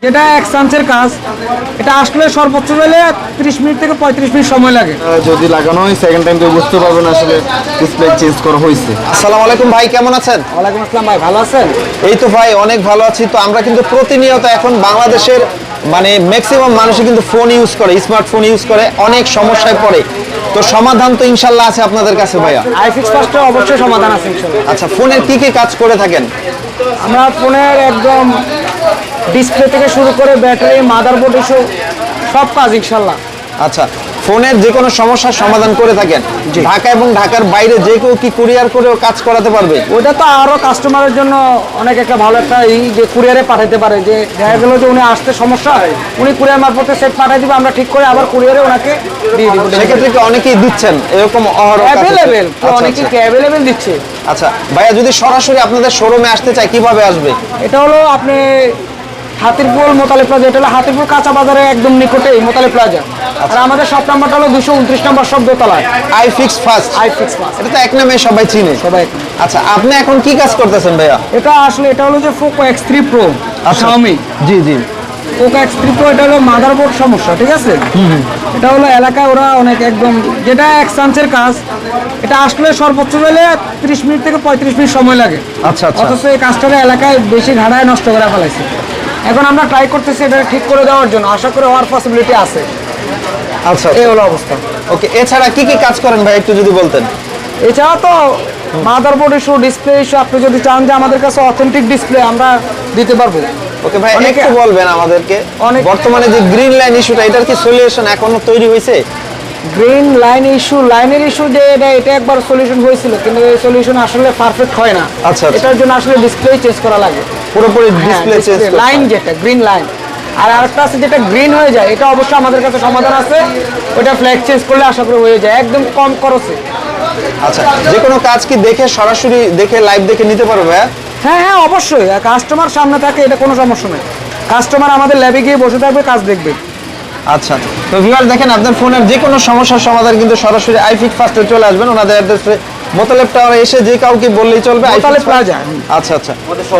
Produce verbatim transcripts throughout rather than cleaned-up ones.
যেটা এক চান্সের কাজ, এটা আসলে সর্বোচ্চ হলে ত্রিশ মিনিট থেকে পঁয়ত্রিশ মিনিট সময় লাগে। যদি লাগানো হয় সেকেন্ড টাইম তো বুঝতে পারবেন আসলে ডিসপ্লে চেঞ্জ করা হয়েছে। আসসালামু আলাইকুম ভাই, কেমন আছেন? ওয়ালাইকুম আসসালাম ভাই, ভালো আছেন? এই তো ভাই অনেক ভালো আছি। তো আমরা কিন্তু প্রতিনিয়ত এখন বাংলাদেশের মানে ম্যাক্সিমাম মানুষই কিন্তু ফোন ইউজ করে, স্মার্টফোন ইউজ করে, অনেক সমস্যায় পড়ে। তো সমাধান তো ইনশাল্লাহ আছে আপনাদের কাছে ভাইয়া। আইফিক্স ফার্স্টে অবশ্যই সমাধান আছে ইনশাআল্লাহ। আচ্ছা, ফোনের কি কি কাজ করে থাকেন? আমরা ফোনের একদম ডিসপ্লে থেকে শুরু করে ব্যাটারি, মাদারবোর্ড ইস্যু সব কাজ ইনশাআল্লাহ। আচ্ছা, ফোনের যে কোনো সমস্যার সমাধান করে থাকেন। ঢাকা এবং ঢাকার বাইরে যে কেউ কি কুরিয়ার করেও কাজ করাতে পারবে? ওইটা তো আরো কাস্টমারের জন্য অনেক একটা ভালো একটা ই যে কুরিয়ারে পাঠাতে পারে, যে দেখা গেল যে উনি আসতে সমস্যা, উনি কুরিয়ার মারফতে সেট পাঠিয়ে দিবে, আমরা ঠিক করে আবার কুরিয়ারে ওনাকে দিয়ে দিব। সেক্ষেত্রে কি অনেকেই দিচ্ছেন এরকম অহরহ? অ্যাভেলেবেল, অনেকেই অ্যাভেলেবেল দিচ্ছে। আচ্ছা ভাইয়া, যদি সরাসরি আপনাদের শোরুমে আসতে চায় কিভাবে আসবে? এটা হলো আপনি হাতিরপুল মোতালে প্লাজা, এটা হলো হাতিরপুল কাঁচা বাজারে একদম নিকটেই মোতালে প্লাজা। আর আমাদের শপ নাম্বারটা হলো দুশো উনত্রিশ নম্বর সব দোতলায়। IFix first. আইফিক্স ফার্স্ট, এটা তো এক নামে সবাই চিনে সবাই। আচ্ছা, আপনি এখন কি কাজ করতেছেন ভাইয়া? এটা আসলে এটা হলো যে Poco X three Pro Xiaomi. জি জি, পোকো এক্স থ্রি প্রো, এটা হলো মাদারবোর্ড সমস্যা, ঠিক আছে? এটা হলো এলাকায় ওরা অনেক একদম যেটা এক চান্সের কাজ, এটা আসলে সর্বোচ্চ হলে ত্রিশ মিনিট থেকে পঁয়ত্রিশ মিনিট সময় লাগে। আচ্ছা আচ্ছা, অথচ এই কাজটা এলাকায় বেশি ঘাড়ায় নষ্ট করে ফেলাইছে। এখন আমরা ট্রাই করতেছি এটা ঠিক করে দেওয়ার জন্য, আশা করে হওয়ার পসিবিলিটি আছে। আচ্ছা এই হলো অবস্থা। ওকে, এছাড়া কি কি কাজ করেন ভাই একটু যদি বলতেন? এছাড়া তো মাদারবোর্ড ইস্যু, ডিসপ্লে ইস্যু, আপনি যদি চান যে আমাদের কাছে অথেন্টিক ডিসপ্লে আমরা দিতে পারবো। ওকে ভাই, অনেকে- একটু বলবেন আমাদেরকে অনেক- বর্তমানে যে গ্রিন লাইন ইস্যুটা, এটার কি সলিউশন এখনো তৈরি হয়েছে? গ্রিন লাইন ইস্যু, লাইনের ইস্যু যে এটা এটা একবার সলিউশন হয়েছিল, কিন্তু এই সলিউশন আসলে পারফেক্ট হয় না। আচ্ছা, আচ্ছা। এটার জন্য আসলে ডিসপ্লে চেঞ্জ করা লাগে, পুরোপুরি ডিসপ্লে চেঞ্জ লাইন যেটা গ্রিন লাইন। আর আরেকটা আছে যেটা গ্রিন হয়ে যায়, এটা অবশ্যই আমাদের কাছে সমাধান আছে। ওটা ফ্ল্যাগ চেঞ্জ করলে আশা করি হয়ে যায় একদম কম খরচে। আচ্ছা, যে কোনো কাজ কি দেখে সরাসরি দেখে লাইভ দেখে নিতে পারবে ভাইয়া? হ্যাঁ হ্যাঁ অবশ্যই, কাস্টমার সামনে থাকে, এটা কোনো সমস্যা নেই। কাস্টমার আমাদের ল্যাবে গিয়ে বসে থাকবে, কাজ দেখবে। আচ্ছা, তো ভিউয়ার দেখেন, আপনার ফোনের যে কোনো সমস্যার সমাধান কিন্তু সরাসরি আইফিক্স ফার্স্টে চলে আসবেন। ওনাদের অ্যাড্রেসে মোতালেব টাওয়ারে এসে যে কাউকে বললেই চলবে। মোতালেব প্লাজা। আচ্ছা আচ্ছা,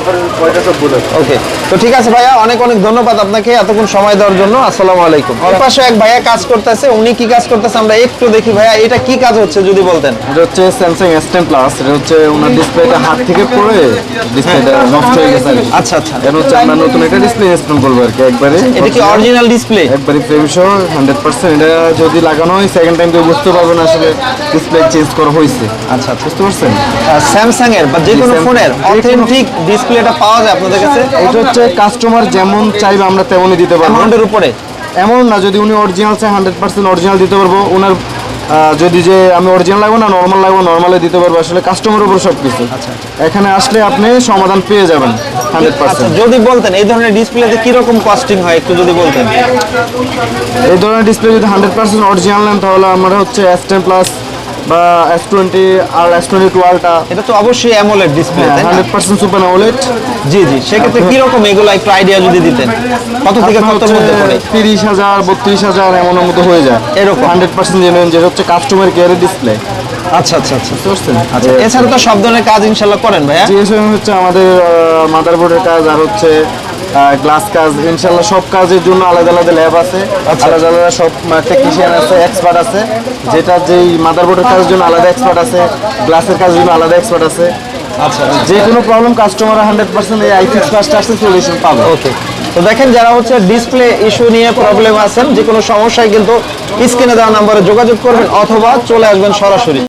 ওকে। তো ঠিক আছে ভাইয়া, অনেক অনেক ধন্যবাদ আপনাকে এতক্ষণ সময় দেওয়ার জন্য। আসসালামু আলাইকুম। ওর পাশে এক ভাইয়া কাজ করতেছে, উনি কি কাজ করতেছে আমরা একটু দেখি। ভাইয়া, এটা কি কাজ হচ্ছে যদি বলতেন? এটা হচ্ছে স্যামসাং এস টেন প্লাস। এটা হচ্ছে ওনার ডিসপ্লেটা হাত থেকে পড়ে ডিসপ্লেটা নষ্ট হয়ে গেছে। আচ্ছা আচ্ছা, এটা হচ্ছে আমরা নতুন একটা ডিসপ্লে ইনস্টল করবো আর কি একবারে। এটা কি অরিজিনাল ডিসপ্লে? একবারে ফ্রেম সহ হান্ড্রেড পার্সেন্ট। এটা যদি লাগানো হয় সেকেন্ড টাইম তো বুঝতে পারবেন আসলে ডিসপ্লে চেঞ্জ করা হয়েছে। আচ্ছা আচ্ছা, বুঝতে পারছেন? স্যামসাং এর বা যে কোনো ফোনের অথেন্টিক ডিসপ্লেটা পাওয়া যায় আপনাদের কাছে? এটা হচ্ছে কাস্টমার যেমন চাইবে আমরা তেমনই দিতে পারবো। অ্যামাউন্টের উপরে এমন না, যদি উনি অরিজিনাল চায় হান্ড্রেড পার্সেন্ট অরিজিনাল দিতে পারবো। ওনার আহ, যদি যে আমি অরিজিনাল লাগবো না নর্মাল লাগবো, নর্মালে দিতে পারবো। আসলে কাস্টমারের উপর সব কিছু। এখানে আসলে আপনি সমাধান পেয়ে যাবেন হান্ড্রেড আচ্ছা, পার্সেন্ট। যদি বলতেন এই ধরনের ডিসপ্লেতে কিরকম কস্টিং হয় একটু যদি বলতেন? এই ধরনের ডিসপ্লে যদি হান্ড্রেড পার্সেন্ট অরিজিনাল নেন তাহলে আমরা হচ্ছে এস টেন প্লাস বা এস টোয়েন্টি আর এস টোয়েন্টি টু আলটা এটা তো অবশ্যই অ্যামোলেড ডিসপ্লে, তাই না? Hundred percent super AMOLED. জি জি, সেক্ষেত্রে কিরকম এগুলো একটু আইডিয়া যদি দিতেন, কত থেকে কত মধ্যে পড়ে? তিরিশ হাজার বত্রিশ হাজার এমনের মতো হয়ে যায় এরকম হান্ড্রেড পার্সেন্ট জেনুইন, যেটা হচ্ছে কাস্টমার কেয়ারের ডিসপ্লে। আচ্ছা আচ্ছা আচ্ছা, বুঝতে পারছেন? আচ্ছা, এছাড়া তো সব ধরনের কাজ ইনশাল্লাহ করেন ভাইয়া? জিএসএম হচ্ছে আমাদের মাদারবোর্ডের কাজ, আর হচ্ছে গ্লাস কাজ, ইনশাল্লাহ সব কাজের জন্য আলাদা আলাদা ল্যাব আছে, আলাদা আলাদা সব টেকনিশিয়ান আছে, এক্সপার্ট আছে। যেটা যেই মাদারবোর্ডের কাজের জন্য আলাদা এক্সপার্ট আছে, গ্লাসের কাজের জন্য আলাদা এক্সপার্ট আছে। আচ্ছা, যে কোনো প্রবলেম কাস্টমার হান্ড্রেড পার্সেন্ট এই আইফিক্স ফার্স্ট আসলে সলিউশন পাবে। ওকে। তো দেখেন, যারা হচ্ছে ডিসপ্লে ইস্যু নিয়ে প্রবলেম আছেন, যে কোনো সমস্যায় কিন্তু স্ক্রিনে দেওয়া নাম্বারে যোগাযোগ করবেন অথবা চলে আসবেন সরাসরি।